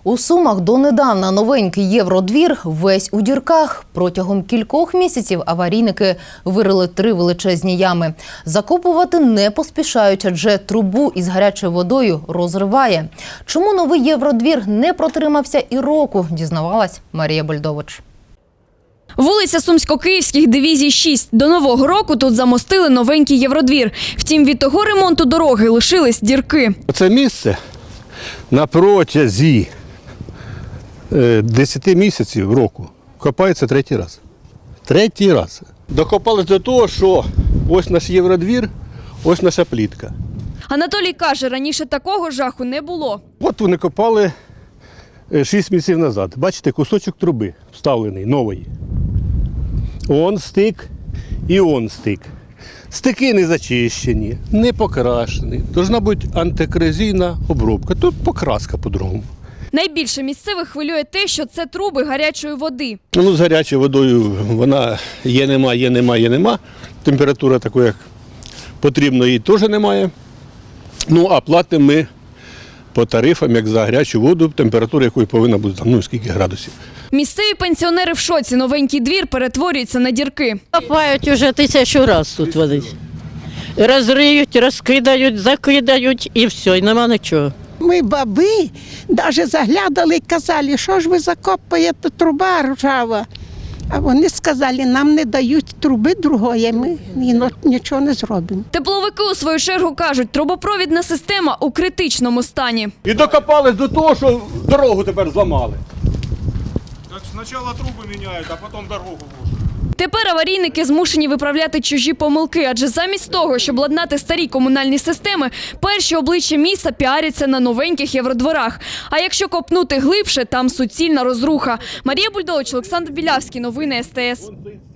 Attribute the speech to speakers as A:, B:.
A: У Сумах донедавна новенький євродвір весь у дірках. Протягом кількох місяців аварійники вирили 3 величезні ями. Закопувати не поспішають, адже трубу із гарячою водою розриває. Чому новий євродвір не протримався і року, дізнавалась Марія Бульдович.
B: Вулиця Сумсько-Київських дивізій 6. До Нового року тут замостили новенький євродвір. Втім, від того ремонту дороги лишились дірки.
C: Це місце на протязі 10 місяців року копається 3-й раз. 3-й раз. Докопались до того, що ось наш євродвір, ось наша плітка.
B: Анатолій каже, раніше такого жаху не було.
C: От вони копали 6 місяців назад. Бачите, кусочок труби вставлений, новий. Он стик і он стик. Стики не зачищені, не покрашені. Должна бути антикорозійна обробка. Тут покраска по-другому.
B: Найбільше місцевих хвилює те, що це труби гарячої води.
C: Ну, з гарячою водою вона є, нема. Температура такої, як потрібно, її теж немає. Ну, а платимо ми по тарифам, як за гарячу воду, температура якої повинна бути, ну, скільки градусів.
B: Місцеві пенсіонери в шоці. Новенький двір перетворюється на дірки.
D: Копають уже 1000 разів тут вони. Розриють, розкидають, закидають і все, і нема нічого.
E: Ми баби навіть заглядали і казали, що ж ви закопуєте, труба ржава. А вони сказали, нам не дають труби другої, ми нічого не зробимо.
B: Тепловики у свою чергу кажуть, трубопровідна система у критичному стані.
C: І докопались до того, що дорогу тепер зламали.
F: Так спочатку труби міняють, а потім дорогу ложать.
B: Тепер аварійники змушені виправляти чужі помилки, адже замість того, щоб ладнати старі комунальні системи, перші обличчя міста піаряться на новеньких євродворах. А якщо копнути глибше, там суцільна розруха. Марія Бульдович, Олександр Білявський. Новини СТС.